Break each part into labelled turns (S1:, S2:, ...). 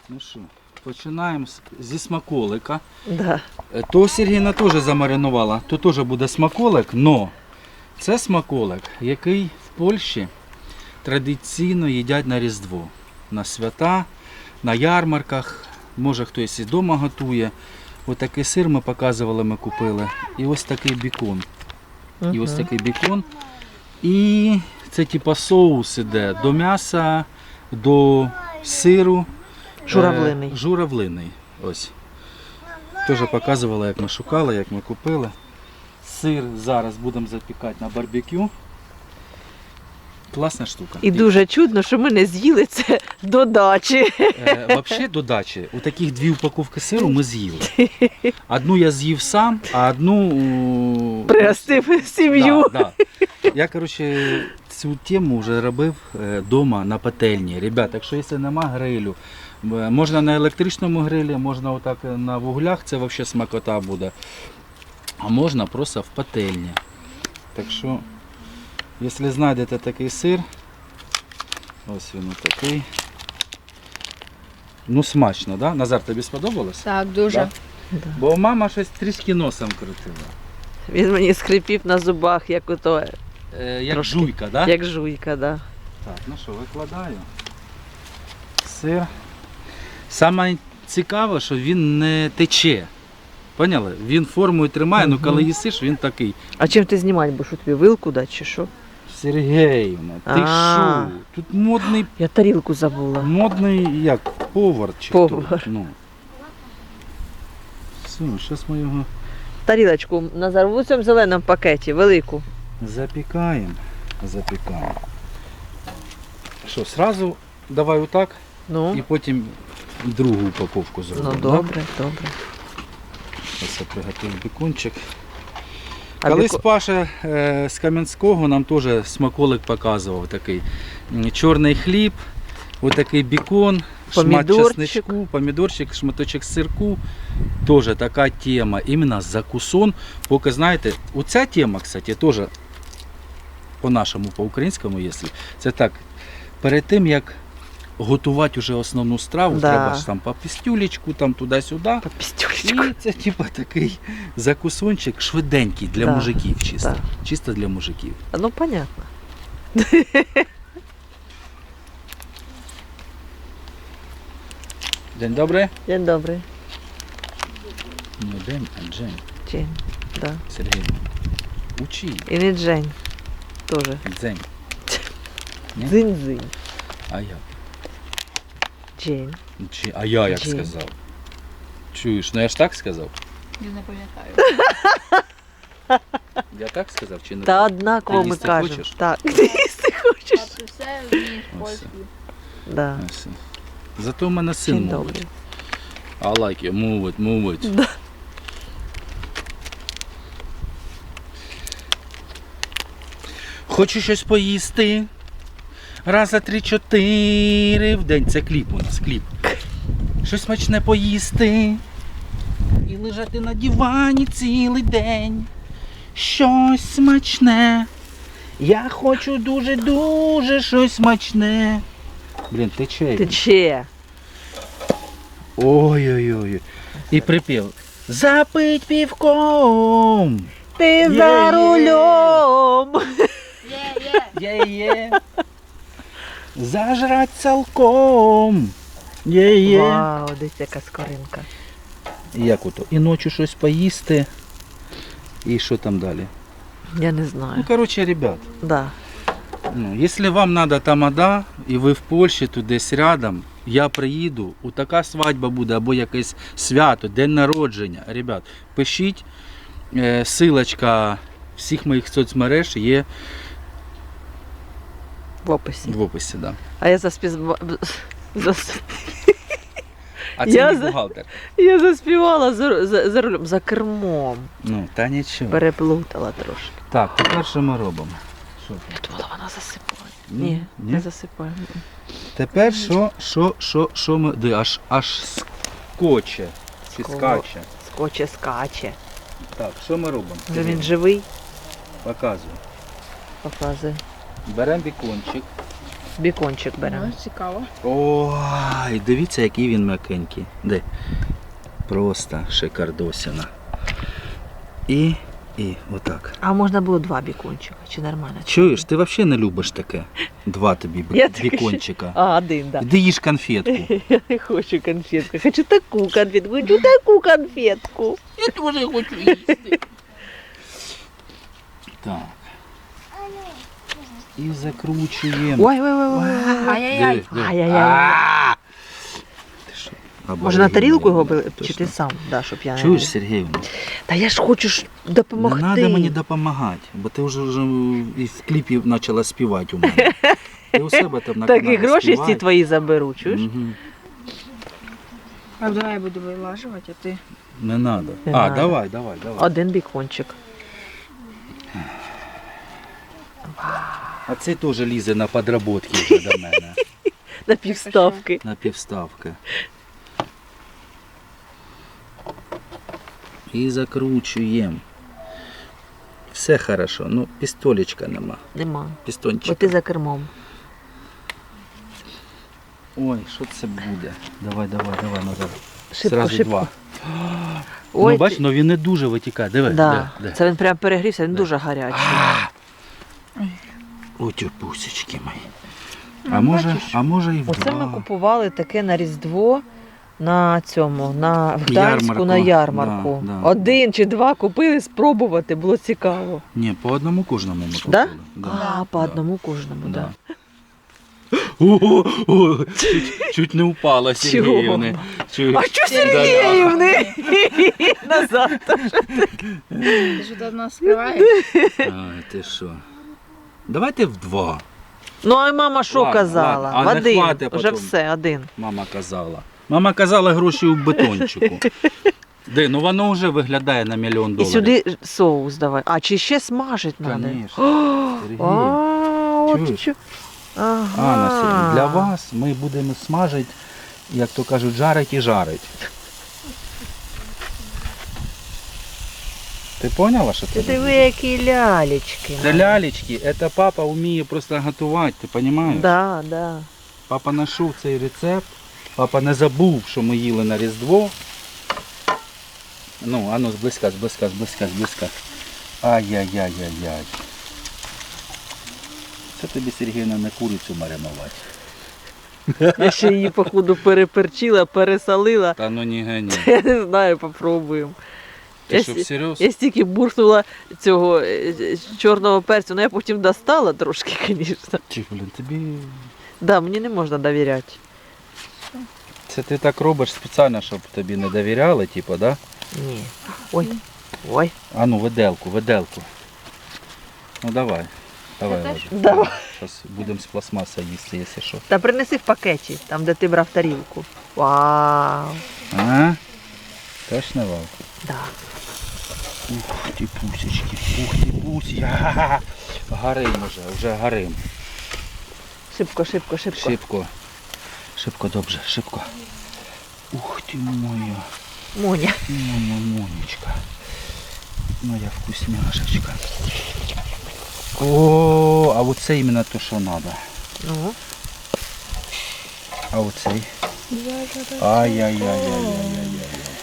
S1: Ну що, починаємо зі смаколика.
S2: Да.
S1: То Сергійна теж замаринувала, то теж буде смаколик, але це смаколик, який в Польщі традиційно їдять на Різдво, на свята, на ярмарках, може хтось і вдома готує. Ось такий сир ми показували, ми купили. І ось такий бікон. І ось такий бікон. І це типа соус іде до м'яса, до сиру.
S2: Журавлиний.
S1: Журавлиний. Ось. Теж показували, як ми шукали, як ми купили. Сир зараз будемо запікати на барбекю. Класна штука.
S2: І дуже чудно, що ми не з'їли це до дачі.
S1: Взагалі до дачі, у таких 2 упаковки сиру ми з'їли. Одну я з'їв сам, а одну
S2: Пригостив сім'ю.
S1: Да. Я, коротше, цю тему вже робив вдома на пательні. Ребята, якщо нема грилю, можна на електричному грилі, можна отак на вуглях, це взагалі смакота буде. А можна просто в пательні. Так що, якщо знайдете такий сир, ось він такий. Ну смачно, да? Назар, тобі сподобалось?
S3: Так, дуже.
S1: Да?
S2: Да.
S1: Бо мама щось трішки носом крутила.
S2: Він мені скрипів на зубах, як ото,
S1: Як
S2: Трошки.
S1: жуйка, да?
S2: як жуйка, да.
S1: Так, ну що, викладаю. Сир. Саме цікаве, що він не тече. Поняли? Він формою тримає, але коли їсиш, він такий.
S2: А чим ти знімати будеш? Тобі вилку дати чи що?
S1: Сергіївна, ти
S2: А.
S1: що? Тут
S2: Я тарілку забула.
S1: модний як повар чи
S2: Повар.
S1: хто? Ну. Все, зараз ми його
S2: Тарілочку, Назар, в цьому зеленому пакеті, велику.
S1: запікаємо. Що, сразу давай отак
S2: Ну,
S1: і потім другу упаковку зробимо.
S2: ну
S1: да?
S2: добре, добре.
S1: Ось я приготую бікончик.
S2: А
S1: Колись
S2: біко-
S1: Паша з Кам'янського нам теж смаколик показував такий. Чорний хліб, отакий бікон, шмат
S2: Помідорчик.
S1: чесничку, помідорчик, шматочок сирку. Теж така тема, іменно закусон. Поки знаєте, оця тема, кстати, теж по-нашому, по-українському, якщо, це так, перед тим, як готувати вже основну страву,
S2: Да.
S1: треба ж там по пістюлечку, там туди-сюди.
S2: По пістюлечку.
S1: І це типа такий закусончик швиденький для
S2: Да,
S1: мужиків чисто.
S2: да.
S1: Чисто для мужиків.
S2: Ну, понятно.
S1: День добрий?
S2: День добрий.
S1: Не день, а Джень.
S2: Джень, да.
S1: Сергій. Учи.
S2: І не Джень. Тоже.
S1: Дзень. Ні?
S2: Дзинь-дзинь.
S1: А я.
S2: Джень.
S1: А я як
S2: Джень.
S1: сказав? Чуєш, ну я ж так сказав?
S3: Я не пам'ятаю.
S1: Я так сказав чи не
S2: Та
S1: так?
S2: однаково
S1: Ти
S2: ми
S1: їсти
S2: кажемо.
S1: хочеш?
S2: Так, ти їсти хочеш.
S3: А ти все вмієш
S1: Ось.
S3: польською.
S2: Да.
S1: Ось. Зато в мене син
S2: День
S1: мовить.
S2: добрий.
S1: I like you, move it, move it.
S2: Да.
S1: Хочу щось поїсти. Раз, за 3-4 в день. Це кліп у нас, кліп. Щось смачне поїсти. І лежати на дивані цілий день. Щось смачне. Я хочу дуже-дуже щось смачне. Блін, тече.
S2: Тече.
S1: Ой-ой-ой. І припів. Запить півком.
S2: Ти за рулем.
S1: Є-є. Зажрать цілком. Є-є.
S2: Вау, десь яка скоринка.
S1: Як ото? І ночі щось поїсти. І що там далі?
S2: Я не
S1: Ну,
S2: знаю.
S1: коротше, ребят,
S2: Да.
S1: ну, якщо вам треба тамада, і ви в Польщі, тут десь рядом, я приїду, у така свадьба буде, або якесь свято, день народження. Ребят, пишіть, силочка всіх моїх соцмереж є
S2: В описі.
S1: в описі. Да.
S2: А я
S1: А це
S2: Я
S1: мій
S2: за-
S1: бухгалтер.
S2: Я заспівала за рулем, за кермом.
S1: Ну, та нічого.
S2: Переплутала трошки.
S1: Так, тепер що ми робимо? Що там?
S2: Я думала, вона засипає.
S1: Ні?
S2: Ні,
S1: Ні?
S2: не засипає.
S1: Тепер що ми... Аж скоче. Чи
S2: Ско-
S1: скаче.
S2: Скоче, скаче.
S1: Так, що ми робимо?
S2: Вже він живий,
S1: Показую.
S2: показує.
S1: Беремо бікончик.
S2: Бікончик беремо.
S3: Ну, цікаво.
S1: Ой, дивіться, який він м'якенький. Де? Просто шикардосина. І отак.
S2: А можна було 2 бікончика, чи нормально?
S1: Чуєш, ти взагалі не любиш таке? 2 тобі
S2: Я таке
S1: бікончика.
S2: А, 1, так.
S1: Іди їж конфетку.
S2: Я не хочу конфетку. Хочу таку конфетку. Хочу таку конфетку.
S1: Я теж хочу їсти. Так. І закручуємо.
S2: Ой.
S3: Ай-яй-яй.
S1: Диви, диви.
S2: Ай-яй-яй.
S1: А! Ти що,
S2: Може на тарілку його
S1: обалденно,
S2: чи
S1: точно.
S2: ти сам? Да, щоб я не...
S1: Чуєш, Сергіївна?
S2: Та я ж хочу ж допомогти.
S1: Не треба мені допомагати, бо ти вже і в кліпі почала співати у мене. Ти у себе там на
S2: Так і
S1: каналі
S2: гроші
S1: співай.
S2: всі твої заберу, чуєш?
S1: Мгм.
S3: А давай я буду вилажувати, а ти.
S1: Не треба.
S2: Не
S1: А,
S2: надо.
S1: давай.
S2: 1 бікончик.
S1: А цей теж лізе на подработки вже до мене.
S2: На півставки.
S1: На півставки. І закручуємо. Все хорошо. Ну, пістолечка нема.
S2: Нема. Бо
S1: Пістончик.
S2: ти за кермом.
S1: Ой, що це буде? Давай назад.
S2: Шибко,
S1: Зразу
S2: шибко.
S1: 2.
S2: Ой,
S1: Ну, бач, ну він не дуже витікає. Диви,
S2: Да.
S1: де.
S2: Це він прям перегрівся, він дуже гарячий.
S1: О, ті пусечки мої.
S3: Ну,
S1: А може і в
S2: Оце ми
S1: 2.
S2: купували таке на Різдво на цьому, в Гданську
S1: Ярмарку.
S2: на ярмарку.
S1: Да, да.
S2: 1 чи 2 купили спробувати, було цікаво.
S1: Ні, по одному кожному ми купили.
S2: Да?
S1: Да.
S2: А, по одному кожному, так.
S1: Да.
S2: Да.
S1: О, чуть не упала
S2: Чого?
S1: Сергіївни.
S2: А що Сергіївни? Назад.
S3: Ти ж тут нас скриваєш?
S1: Ай, ти що? Давайте в 2.
S2: Ну, а мама що
S1: Ладно,
S2: казала?
S1: ладно. А
S2: В
S1: не
S2: 1.
S1: хватить
S2: Вже
S1: потім.
S2: все, 1.
S1: Мама казала. Мама казала гроші у бетончику. Де, ну воно вже виглядає на $1 мільйон.
S2: І сюди соус давай. А, чи ще смажить треба?
S1: Конечно. Сергій.
S2: От
S1: Чуєш?
S2: що.
S1: Анна Сергій, для вас ми будемо смажити, як то кажуть, жарить і жарить. Ти поняла, що
S2: Ти
S1: це?
S2: диви, які лялечки.
S1: Це лялечки, це папа вміє просто готувати, ти розумієш?
S2: Да, да.
S1: Папа знайшов цей рецепт, папа не забув, що ми їли на Різдво. Ну, ану, зблизька. Ай-яй-яй-яй-яй. Це тобі, Сергійна, не курицю маринувати.
S2: Я ще її, походу, переперчила, пересолила.
S1: Та ну ні гані.
S2: Я не знаю, попробуємо.
S1: Ти
S2: Я
S1: що,
S2: сі-
S1: всерйоз?
S2: Я стільки буркнула цього чорного перцю, але я потім достала трошки, звісно.
S1: Чи, блін, тобі...
S2: Да, мені не можна довіряти.
S1: Це ти так робиш спеціально, щоб тобі не довіряли, типу, да?
S2: Ні. Ой.
S1: А ну, виделку. Ну давай. Давай,
S3: Це
S1: ложи.
S2: Давай.
S1: Зараз будемо з пластмаса їсти, якщо що.
S2: Та принеси в пакеті, там, де ти брав тарілку. Вау.
S1: А? Точно, Вал?
S2: Да.
S1: Ух ти пусечки, ага. Горим вже горим.
S2: Шибко.
S1: Шибко, добре, шибко. Ух ти моя
S2: Моня.
S1: Монечка. Моя вкусняшечка. О, а оце іменно то, що треба.
S2: Ну.
S1: А оцей? Ай-яй-яй-яй-яй-яй.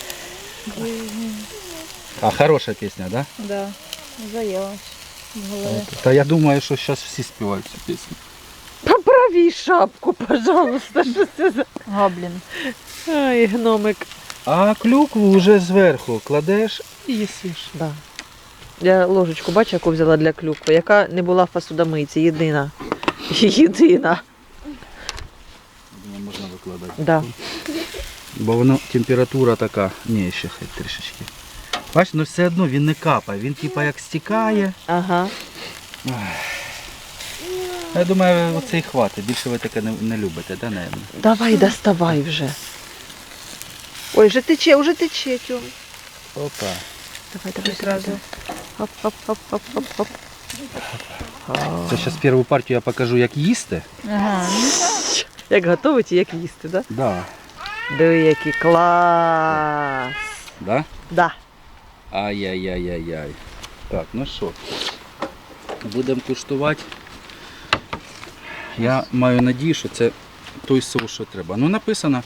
S1: А хороша пісня, да?
S3: Да. Заелась. В голові.
S1: Та я думаю, що зараз всі співають цю пісню.
S2: Поправій шапку, пожалуйста. Що це за...
S3: Гоблін.
S2: Ай, гномик.
S1: А клюкву вже зверху кладеш і їсиш.
S2: Да. Я ложечку, бачу, яку взяла для клюкви, яка не була в посудомийці, єдина. Єдина.
S1: Думаю, можна викладати.
S2: Да.
S1: Бо воно температура така. Ні, ще хай трішечки. Бачиш, ну все одно він не капає, він типа як стікає.
S2: Ага.
S1: Я думаю, оцей хватить. Більше ви таке не любите, да, наверное?
S2: Давай, доставай вже. Ой, вже тече, Тьом.
S1: Опа.
S2: Давай.
S3: Зразу.
S2: Хоп.
S1: Це зараз першу партію я покажу, як їсти.
S3: Ага.
S2: Як готовить і як їсти, да?
S1: Да.
S2: Диви, який клас.
S1: Да?
S2: Да.
S1: Ай-яй-яй-яй-яй. Так, ну що, будемо куштувати. Я маю надію, що це той соус, що треба. Ну написано.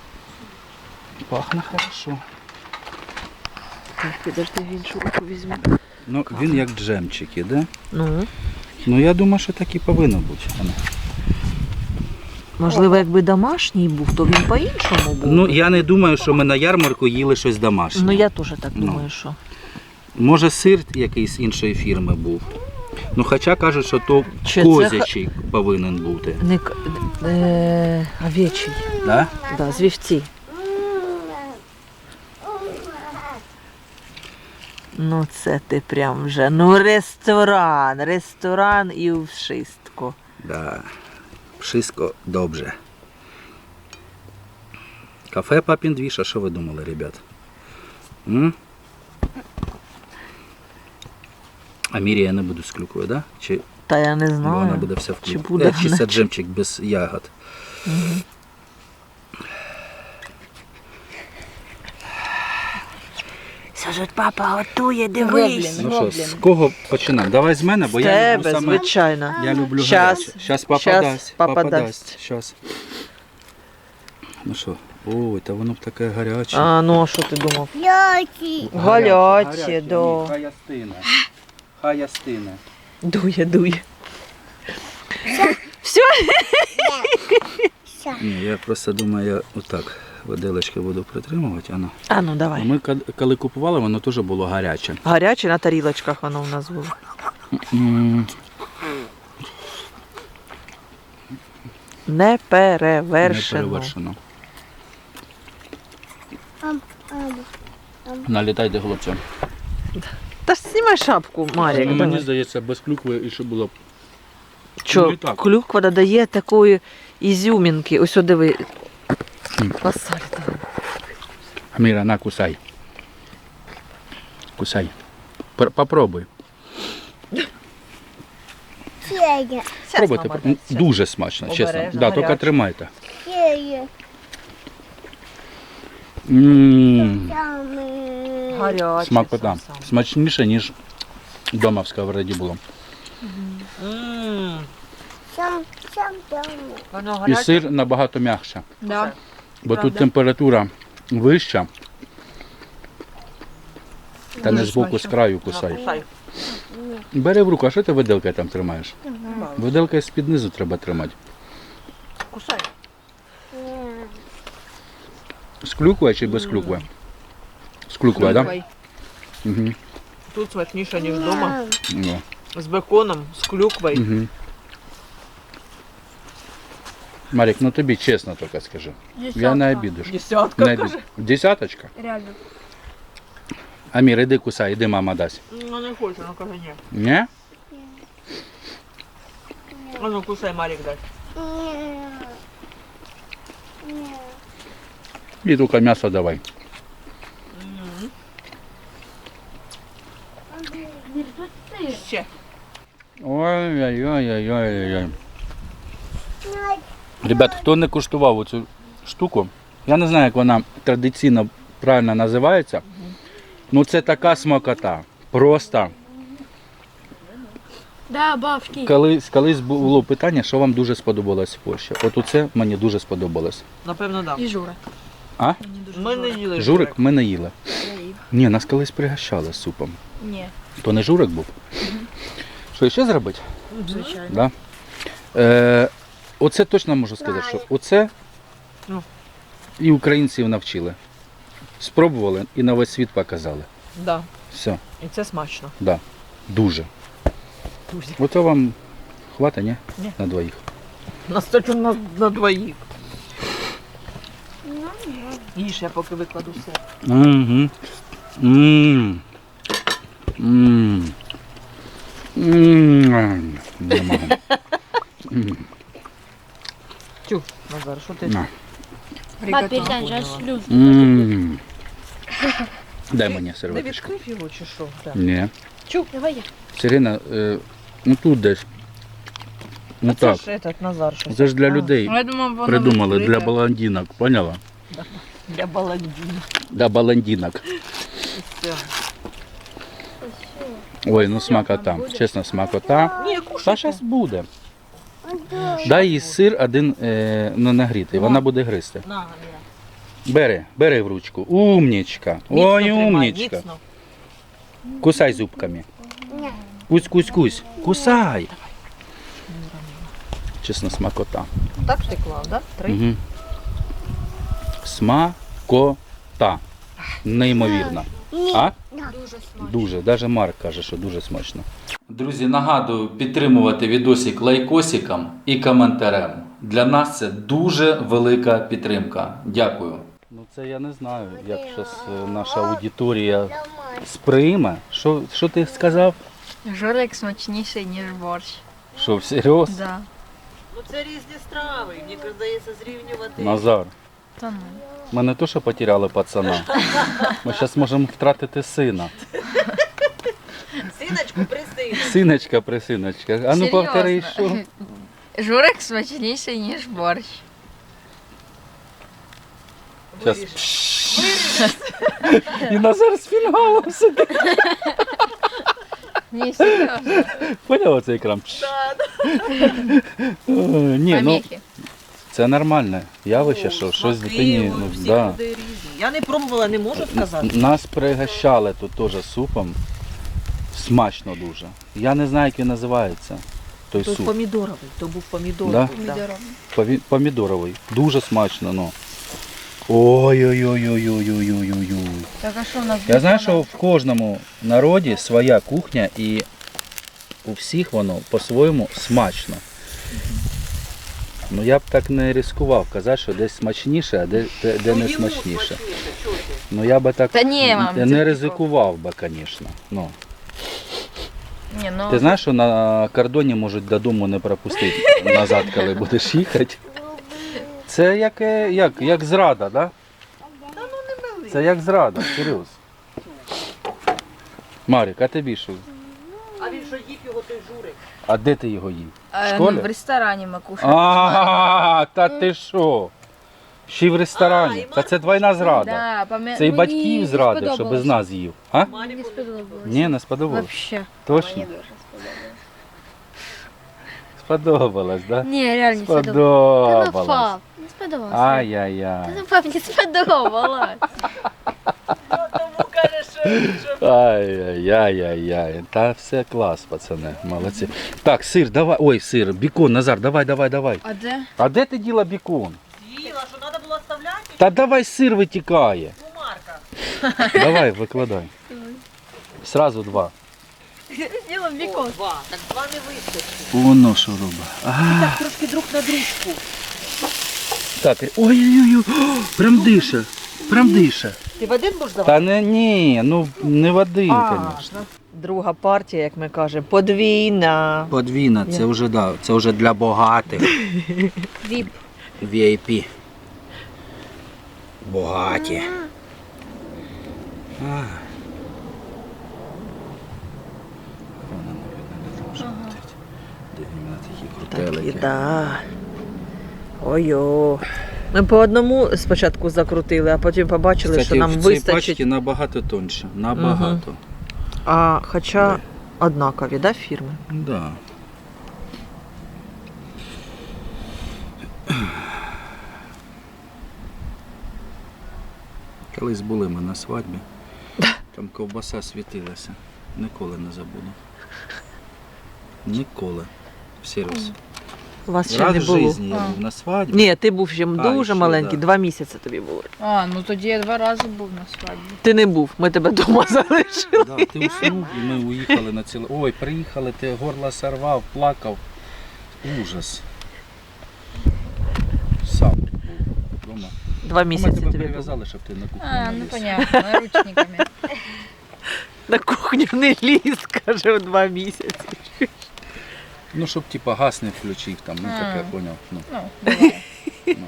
S1: Пахне хорошо.
S2: Так, підожди, в іншу руку візьму.
S1: Ну, він як джемчик іде.
S2: Ну,
S1: Ну я думаю, що так і повинно бути. Ану.
S2: можливо, якби домашній був, то він по-іншому був.
S1: Ну
S2: би.
S1: я не думаю, що ми на ярмарку їли щось домашнє.
S2: Ну, я теж так
S1: Ну.
S2: думаю, що.
S1: Може сир якийсь іншої фірми був. Ну хоча кажуть, що то
S2: Чи це
S1: козячий повинен бути.
S2: Не овечий.
S1: Да?
S2: Да, з вівці. Ну це ти прям вже. Ну ресторан і у вшистку.
S1: Да. Wszystko добре. Кафе Папін Двіж, а що ви думали, ребят? М? А Мірі я не буду з клюквою, да? Чи
S2: Та я не
S1: вона
S2: знаю.
S1: буде вся в
S2: Чи
S1: клюкві?
S2: буде
S1: Чи
S2: вона?
S1: це джемчик без ягод?
S2: Кажуть, папа готує,
S3: Гоблін.
S1: Ну що, з кого починаємо? Давай з мене, бо
S2: З
S1: я люблю
S2: тебе,
S1: саме...
S2: звичайно.
S1: Я люблю
S2: Щас.
S1: гаряче. Щас папа
S2: Щас
S1: дасть.
S2: папа дасть.
S1: Щас. Ну що? Ой, та воно б таке гаряче.
S2: А, ну а що ти думав?
S3: Ляки.
S2: Гаряче, да.
S1: Ні, хай остине. Хай остине.
S2: Дує. Все?
S1: Ні, я просто думаю, я отак виделочки буду притримувати. Ано.
S2: А ну давай.
S1: Ми коли купували, воно теж було гаряче.
S2: Гаряче на тарілочках воно в нас було.
S1: М,
S2: Не перевершено.
S1: Неперевершено. Налітайте, хлопці.
S2: Та ж знімай шапку, Марік.
S1: Мені
S2: давай.
S1: здається, без клюкви і ще було б.
S2: Що,
S1: Ну, і так.
S2: клюква додає такої ізюмінки. Ось о, диви. Пасаль там.
S1: Міра, на, кусай. Кусай. Попробуй.
S3: Фея.
S1: Пробуйте.
S2: мама дасть, щас.
S1: Дуже смачно, чесно.
S2: Обережно,
S1: Да, тільки
S2: гаряче.
S1: тримайте.
S3: Фея.
S2: Гаряче.
S1: Смакота.
S2: сам-сам.
S1: Смачніше, ніж вдома в сковороді було.
S2: Воно
S1: І
S2: гаряче.
S1: сир набагато м'якше.
S3: Да.
S1: Бо тут
S3: Правда.
S1: температура вища. Та не
S3: Дуже
S1: збоку, з
S3: смачно.
S1: краю кусай.
S2: Кусай.
S1: Бери в руку, а що ти виделкою там тримаєш? Виделкою з-під низу треба тримати.
S2: Кусай.
S1: З клюквою чи без клюкви? З клюквою, так?
S3: Клюквою.
S1: Угу.
S2: Тут смачніше, ніж вдома.
S1: Ну,
S2: З беконом, з клюквою.
S1: угу. Марік, ну тобі чесно тільки скажи. Я не обідиш.
S2: Десятка,
S1: Не
S2: каже.
S1: обід- Десяточка?
S3: Реально.
S1: Амір, іди кусай, іди, мама дасть.
S2: Ну не хочу, ну каже ні.
S1: Ні?
S2: А ну кусай, Марік дай.
S1: І тільки м'ясо давай.
S2: Ще.
S1: Ой-ой-ой-ой-ой. Ребят, хто не куштував цю штуку, я не знаю, як вона традиційно правильно називається. Ну це така смакота. Просто
S3: Да, бабки.
S1: колись було питання, що вам дуже сподобалось в Польщі. От оце мені дуже сподобалось.
S2: Напевно, да.
S3: І Жура.
S1: А?
S2: Ми не їли
S1: Журик ми не їли.
S3: Я їв.
S1: Ні, нас колись пригощали супом.
S3: Ні.
S1: То не журик був. Що ще зробити?
S3: Звичайно.
S1: Да? Оце точно можу сказати, що оце
S2: Ну.
S1: і українців навчили. Спробували і на весь світ показали.
S2: Да.
S1: Все,
S2: І це смачно.
S1: да. Дуже.
S2: Дуже.
S1: Ото вам хватить, ні?
S2: Ні.
S1: На двоїх.
S2: Настільки на двоїх. Їж, я поки викладу все.
S1: Угу. Не можу.
S2: Тю, Назар, що ти?
S1: На.
S3: Папір, дай, я шлю.
S1: М. Дай мені
S2: Не
S1: серветочку.
S2: відкрив його чи що? Так.
S1: Ні.
S3: Чук, давай я.
S1: Сирена, ну тут десь. Ну
S2: Це
S1: так.
S2: ж этот Назар щось.
S1: Це ж для
S2: А,
S1: людей
S3: Я думав, воно
S1: придумали, для
S3: відкрите.
S1: баландинок, поняла?
S2: Для баландіна.
S1: Для баландинок.
S2: Все.
S1: Ой, ну смакота. Чесно, смакота.
S2: Ні,
S1: Та
S2: кушай.
S1: зараз буде. Дай їй сир один нагрітий, вона буде гризти.
S2: На,
S1: Бери в ручку. Умнічка. Ой, умнічка. Кусай зубками. Кусь. Кусай. Чесно, смакота.
S2: Так ж ти клав, так? Три?
S1: Угу. Смакота. Неймовірно. А?
S3: Дуже смачно.
S1: Дуже. Навіть Марк каже, що дуже смачно. Друзі, нагадую підтримувати відосик лайкосиком і коментарем. Для нас це дуже велика підтримка. Дякую. Ну це я не знаю, як зараз наша аудиторія сприйме. Що ти сказав?
S3: Жорик смачніший, ніж борщ.
S1: Що, всерйоз?
S3: Да.
S2: Ну це різні страви, мені здається, зрівнювати.
S1: Назар,
S3: Та ну.
S1: ми не то, що потеряли пацана. Ми зараз можемо втратити сина.
S2: Синочку, присинь.
S1: Синочка, присиночка. А ну повтори, що?
S3: Жорик смачніший, ніж борщ.
S1: Зараз. І Назар з фінгалом сидить.
S3: Ні, серйозно.
S1: Поняв оцей екран? Ні, ну
S3: Поміхи.
S1: це нормальне явище, що щось дитині. Ну, да.
S2: різні. Я не пробувала, не можу сказати.
S1: Нас пригощали тут теж супом. Смачно дуже. Я не знаю, як він називається. Той
S2: Тут
S1: суп.
S2: помідоровий, то був помідоровий.
S1: Да?
S3: Помідором.
S1: Помідоровий. Дуже смачно, ну. Ой-ой-ой-ой-ой-ой-ой-ой-ой.
S3: Так а що в нас?
S1: Я знаю, що в кожному народі своя кухня і у всіх воно по-своєму смачно. Ну я б так не ризикував казати, що десь смачніше, а де не смачніше. Ну я би так
S3: Та ні, мам, це
S1: не ризикував би, звісно. Ну.
S3: Ні, ну,
S1: Ти знаєш, що на кордоні можуть додому не пропустити назад, коли будеш їхати? Це як зрада, так? Да? Це як зрада, серйозно. Марік, а тобі що?
S2: А він що їв його той журик?
S1: А де ти його їв? В
S3: ну,
S1: школі?
S3: в ресторані ми кушали.
S1: А, та ти що? Ще й в ресторані. Та це двойна зрада. Це і батьків зрадив, що без нас їв. А?
S3: Мені сподобалось.
S1: Ні, не сподобалось.
S3: Вообще.
S1: Точно? Сподобалось, так?
S3: Ні, реально не сподобалось. Та ну,
S1: Сподобалось.
S3: пап, не сподобалось.
S1: Ай-яй-яй.
S3: Та ну, пап, не сподобалось.
S2: Тому каже, що
S1: Ай-яй-яй-яй. Та все клас, пацани, молодці. Так, сир, давай. Ой, сир, бікон, Назар, давай.
S3: А де?
S1: А де ти діла бікон?
S2: з'їла, що треба було оставляти
S1: Та давай сир витікає.
S2: у Марка.
S1: Давай, викладай. Сразу два.
S3: З'їла бікон.
S2: Два. Так два не вистачить.
S1: Воно що робить.
S2: Так трошки друг на дружку.
S1: Так, ой-ой-ой, прям дише.
S2: Ти в один будеш давати?
S1: Та ні, ну не в один, звісно.
S2: Друга партія, як ми кажемо, подвійна.
S1: Подвійна, це вже, да, це вже для багатих.
S3: Віп.
S1: VIP. Богаті. А. Вона, мабуть, не може бути. Де іменно такі крутелики.
S2: Да. Ой-о. Ми по одному спочатку закрутили, а потім побачили,
S1: Кстати,
S2: що нам
S1: в цій
S2: вистачить.
S1: пачці набагато тоньше. Набагато.
S2: А хоча
S1: Де?
S2: однакові, да, фірми?
S1: Да. Колись були ми на свадьбі. Там ковбаса світилася. Ніколи не забуду. Ніколи. Всерйоз.
S2: У вас ще
S1: Раз
S2: не
S1: в
S2: було.
S1: житті я був на свадьбі.
S2: Ні, ти був ще дуже
S1: ще,
S2: маленький,
S1: да.
S2: 2 місяці тобі було.
S3: А, ну тоді я 2 рази був на свадьбі.
S2: Ти не був, ми тебе вдома залишили.
S1: Да, ти уснув і ми уїхали на ціле. Ой, приїхали, ти горло сорвав, плакав. Ужас. Сам був вдома.
S2: 2
S1: Ми
S2: місяці
S1: тебе
S2: тобі було.
S1: прив'язали, щоб ти на кухні
S3: А,
S1: не
S3: ну
S1: ліз.
S3: понятно, наручниками.
S2: На кухню не ліз, каже, в 2 місяці.
S1: Ну, щоб типа газ не включив там, ну таке, поняв. Ну,
S3: Ну, буває.
S1: ну.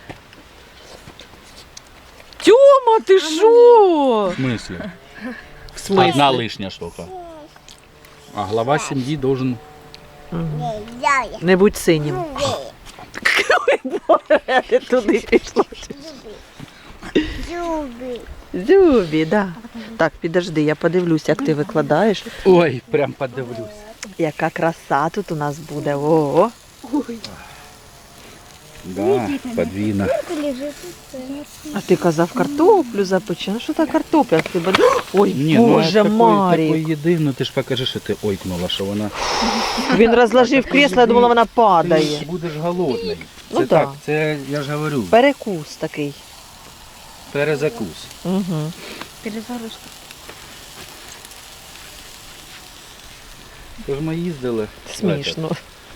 S2: Тьома, ти що?
S1: В смислі?
S2: В смислі?
S1: Одна лишня штука. А глава сім'ї должен...
S2: Не будь синім. Ой, Боже, ти туди пішла. Зюбі, да. Так, підожди, я подивлюсь, як ти викладаєш.
S1: Ой, прям подивлюсь.
S2: Яка краса тут у нас буде. О,
S1: Да, подвійна.
S2: А ти казав картоплю запече. Ну що та картопля? Ти б- Ой,
S1: Ні,
S2: Боже,
S1: такої
S2: Марік.
S1: їди, ну ти ж покажи, що ти ойкнула, що вона...
S2: Він розложив кресло, я думала, вона падає.
S1: Ти будеш голодний.
S2: Ну
S1: Це
S2: да.
S1: так, це, я ж говорю,
S2: Перекус такий.
S1: перезакус.
S2: Угу.
S3: Перезагрузка.
S1: Тож ми їздили
S2: Смішно.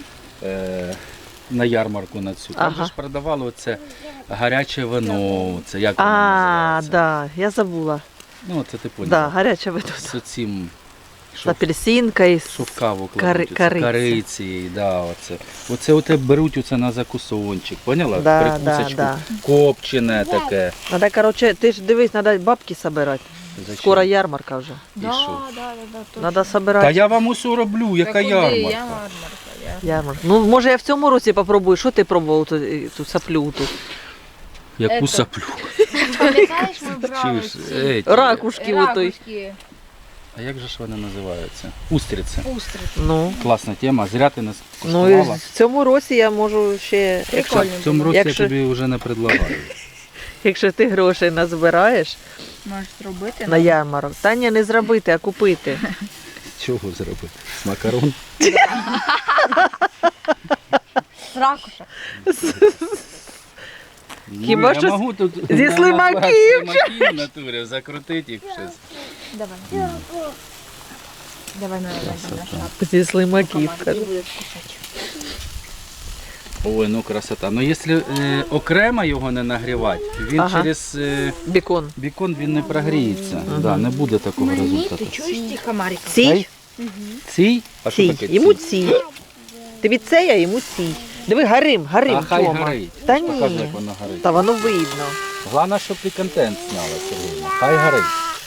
S1: на ярмарку на цю. Там
S2: Ага.
S1: же ж продавали оце гаряче вино, це як воно
S2: А,
S1: називається?
S2: да, я забула.
S1: Ну, це ти
S2: Да,
S1: поняла.
S2: гаряче вино.
S1: З цим,
S2: З
S1: що,
S2: апельсинкою.
S1: що в каву
S2: Кари-
S1: кладуть, оце,
S2: кориці.
S1: кориці, да, оце. Оце оте беруть оце на закусончик, поняла?
S2: Да,
S1: Прикусочку,
S2: да.
S1: копчене таке.
S2: Надо, короче, ти ж дивись, треба бабки собирати.
S1: Зачем?
S2: Скоро ярмарка вже.
S1: І що?
S2: Треба собирати.
S1: Та я вам усе роблю, яка ярмарка.
S2: Ярмарка. Ну, може, я в цьому році попробую. Що ти пробував ту саплю тут?
S1: Яку саплю.
S3: Пам'ятаєш, ми брали
S1: Чуєш?
S3: ці
S1: Ей,
S2: Ракушки отой.
S3: ракушки,
S1: А як же ж вони називаються? Устриця.
S3: устриці.
S2: Ну,
S1: Класна тема, зря ти нас
S2: ну і
S1: коштувала.
S2: в цьому році я можу ще,
S3: Прикольно.
S1: В цьому році
S2: Якщо-
S1: я тобі вже не предлагаю.
S2: якщо ти грошей назбираєш
S3: Можеш зробити.
S2: на ярмарок. Та ні, не зробити, а купити.
S1: Чого зробити? З макарон?
S3: Ракуша.
S2: Хіба
S1: я
S2: що
S1: можу тут
S2: зі
S1: на
S2: слимаків.
S1: слимаків в натурі закрутити їх щось.
S3: Давай. Давай на шапку.
S2: Зі слимаків.
S3: І будеш кушати.
S1: Ой, ну красота. Ну якщо окремо його не нагрівати, він
S2: Ага.
S1: через
S2: Бікон.
S1: бікон він не прогріється. Да, не буде такого результату.
S3: чуєш ті комарика?
S2: Цій?
S1: Цій? А що
S2: Цій.
S1: таке
S2: Йому
S1: цій?
S2: цій. Тобі це, а йому цій. Диви, гарим,
S1: А хай
S2: Тьома.
S1: горить.
S2: Та
S1: Покажи,
S2: ні.
S1: як воно горить.
S2: Та воно видно.
S1: Головне, щоб ти контент зняла, Сергійна. Хай горить.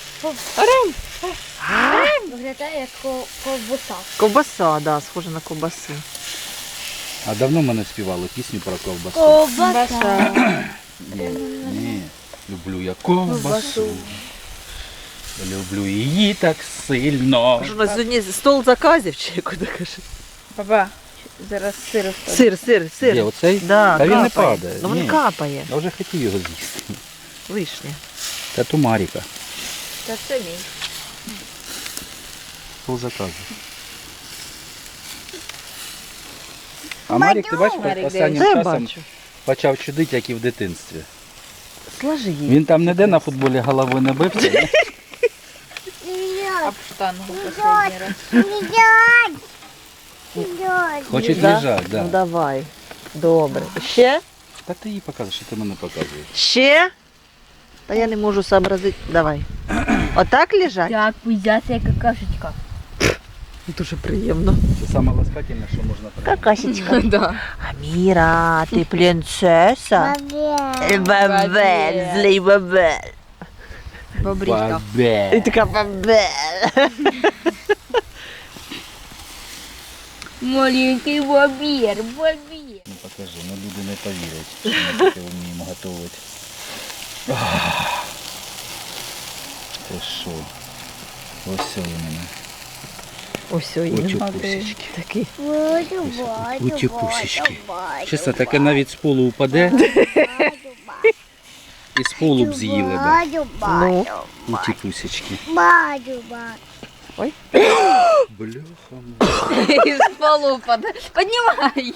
S3: Виглядає як ковбаса.
S2: Ковбаса, да, схоже на ковбасу.
S1: А давно ми не співали пісню про ковбасу.
S3: Ковбаса.
S1: Ні, люблю я ковбасу. Люблю її так сильно.
S2: Що у нас сьогодні стол заказів чи як ти кажеш?
S3: Папа, зараз сир вставлю.
S2: Сир.
S1: Де, оцей?
S2: Да,
S1: Та він не
S2: капає.
S1: падає.
S2: Ну він
S1: Ні.
S2: капає.
S1: Я вже хотів його з'їсти.
S2: Лишнє.
S1: Та ту Маріка.
S3: Та це мій.
S1: Пол заказу. А Марік, ти бачиш,
S3: Марік,
S1: останнім
S2: Це я
S1: часом
S2: бачу.
S1: почав чудити, як і в дитинстві.
S2: Сложи її.
S1: Він там ніде на футболі головою не бився. ні?
S3: Об штангу последній раз.
S1: Хоче
S2: Да?
S1: лежати,
S2: Ну
S1: да.
S2: давай. Добре. Ще?
S1: Та ти їй показуєш, що ти мене показуєш.
S2: Ще? Та я не можу сообразити. Давай. Отак лежать?
S3: Так, пиздяться як какашечка.
S2: Дуже приємно.
S1: Це саме ласкательне, що можна прийняти.
S2: Какасечка.
S3: Да.
S2: Аміра, ти принцеса? Бабель, злий бабель.
S3: Бобрічка.
S2: І
S1: Бабе.
S2: така бабель.
S3: Маленький бобір, бобір.
S1: Ну покажи, ну люди не повірять, що ми таке вміємо готувати. Ти що? Ось це у мене.
S2: Ось
S1: Утюпусечки.
S2: Такий.
S1: Утюпусечки. Чесно, таке навіть з полу упаде і з полу б з'їли б.
S2: Ну.
S1: Утюпусечки.
S2: Ой.
S1: Бляха.
S3: Із полу падає. Піднімай.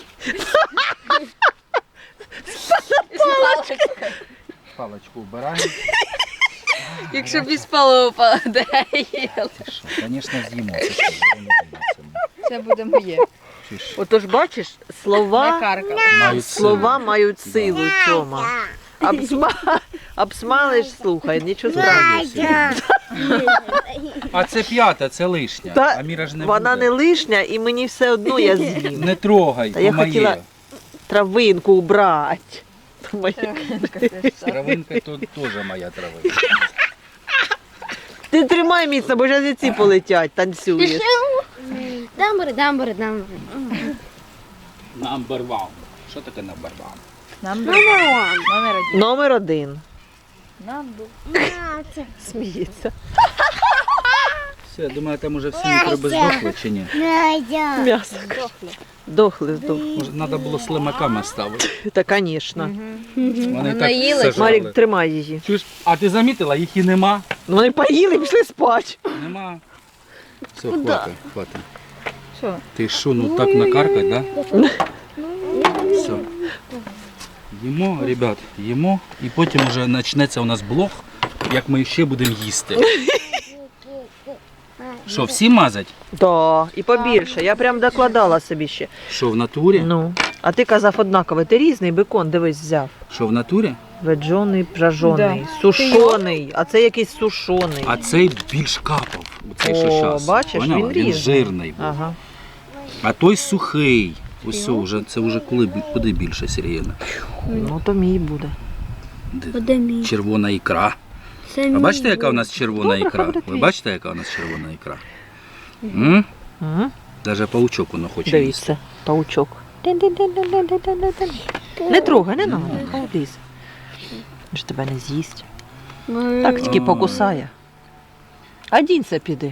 S1: Палочку вбираємо.
S3: Якщо без полу падає.
S1: Ти що? Звісно, з'їмо. Це що? Воно не з'їмо.
S3: Це буде моє.
S1: Чи ж?
S2: Отож, бачиш, слова,
S3: Накарка.
S1: Мають
S2: слова мають силу, Тьома. Обсмалиш, слухай, нічого страшного.
S1: А це п'ята, це лишня.
S2: Та
S1: А Міра ж не
S2: Вона
S1: буде.
S2: не лишня і мені все одно я з'їм.
S1: Не трогай,
S2: Та я
S1: моє.
S2: хотіла травинку убрати. Моя-
S1: Травинка то теж моя травинка.
S2: Ти тримай міцно, бо зараз і ці полетять, танцюєш.
S4: Дамбури.
S1: Number one. Що таке number one?
S3: Номер один.
S2: Номер 1.
S3: Number.
S2: Сміється.
S1: Все, я думаю, там уже всі мікроби здохли чи ні?
S2: М'ясо. Дохли.
S1: Може, треба було слимаками ставити.
S2: Та, звісно.
S1: Вони так
S3: наїлись.
S1: все
S2: Марік,
S1: жрали.
S2: тримай її.
S1: Чуєш, а ти замітила, їх і нема?
S2: Ну, вони поїли і пішли спати.
S1: Нема. Все, хватить.
S3: Що?
S1: Ти що, ну так накаркать, да? Все. Їмо, ребят, їмо. І потім вже почнеться у нас блог, як ми ще будемо їсти. Що, всі мазать?
S2: Да, і побільше. Я прям докладала собі ще.
S1: Що, в натурі?
S2: Ну, а ти казав однаково. Ти різний бекон, дивись, взяв.
S1: Що, в натурі?
S2: Веджоний, пражоний,
S3: Да.
S2: сушоний, а це якийсь сушоний.
S1: А цей більш капав. Оцей, що
S2: О,
S1: щас.
S2: бачиш,
S1: Поняла?
S2: він різний.
S1: жирний був.
S2: Ага.
S1: А той сухий. Ось це вже куди більше, Сергіївна.
S2: Ну, то мій буде.
S1: Червона ікра. А бачите, яка у нас червона ікра? Ви бачите, яка у нас червона ікра? М?
S2: Ага.
S1: Даже паучок воно хоче їсти.
S2: Дивіться, паучок. Не трогай, не треба, хай лізе. Він ж тебе не з'їсть. Так тільки покусає. А дінься піди.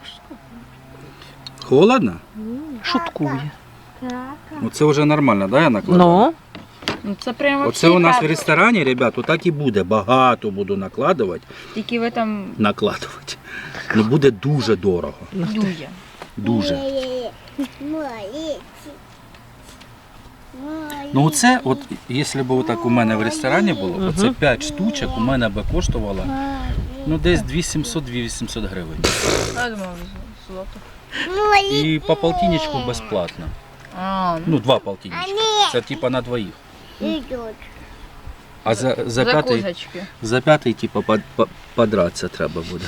S1: Холодно?
S2: Шуткує.
S1: Оце вже нормально, да, я накладаю?
S2: Ну,
S3: Ну це прямо
S1: Оце у нас в ресторані, ребят, отак і буде. Багато буду накладувати.
S3: Тільки в там
S1: Накладувати. Ну буде дуже дорого.
S3: дує.
S1: Дуже. Ну оце, от, якщо б отак у мене в ресторані було, оце 5 штучок у мене би коштувало, ну десь 2700-2800 гривень.
S3: Я думав, золото.
S1: І по полтинничку безплатно.
S3: А,
S1: Ну, 2 полтинничка. Це типа на двоїх. А за п'ятий,
S3: козочки.
S1: за п'ятий типа подратися треба буде.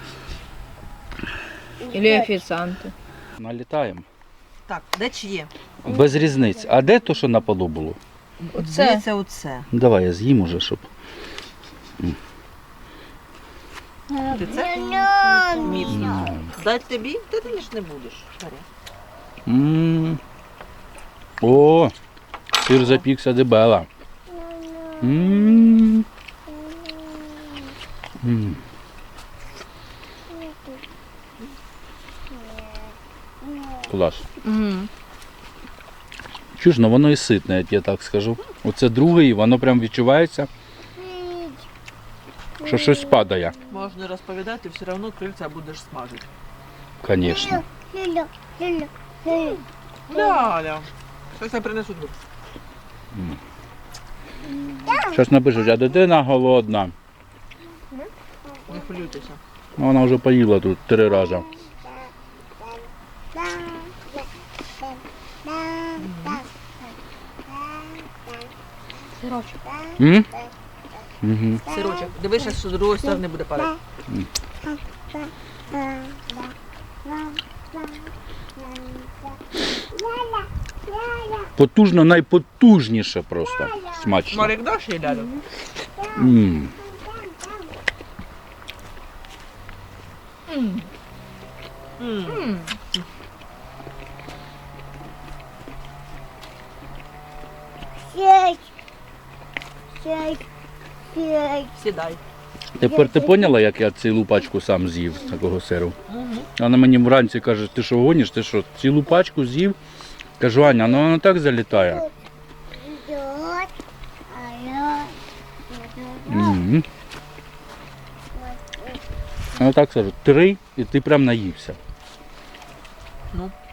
S3: Или офіціанти.
S1: Налітаємо.
S2: так, де чиє?
S1: Без різниць. А де то, що на полу було?
S3: Оце.
S2: Це оце.
S1: Ну, давай я з'їм уже, щоб.
S2: Ти це? Міцно. Дать тобі? Ти ж не будеш.
S1: М. О, сир запікся дебела. М. М. Клас.
S3: Угу.
S1: Чуєш, ну воно і ситне, я тебе так скажу. Оце друге, і воно прям відчувається, що щось падає.
S2: Можна розповідати, все одно крильця будеш смажити.
S1: Звісно.
S2: Ляля. Щось я принесу.
S1: Щось напишуть, а дитина голодна.
S2: Не хвилюйтеся.
S1: Ну, вона вже поїла тут 3 рази. М? Угу.
S2: Сирочок. Дивися, що з другої сторони буде падати.
S1: Потужно, найпотужніше просто. Смачно.
S2: Марик, даш їй лялю?
S1: М.
S2: Сідай.
S1: Тепер ти поняла, як я цілу пачку сам з'їв такого сиру? Вона мені вранці каже, ти що гониш, ти що, цілу пачку з'їв? Кажу, Аня, ну воно так залітає. Мгм. Ну так кажу, 3 і ти прям наївся.
S2: Ну.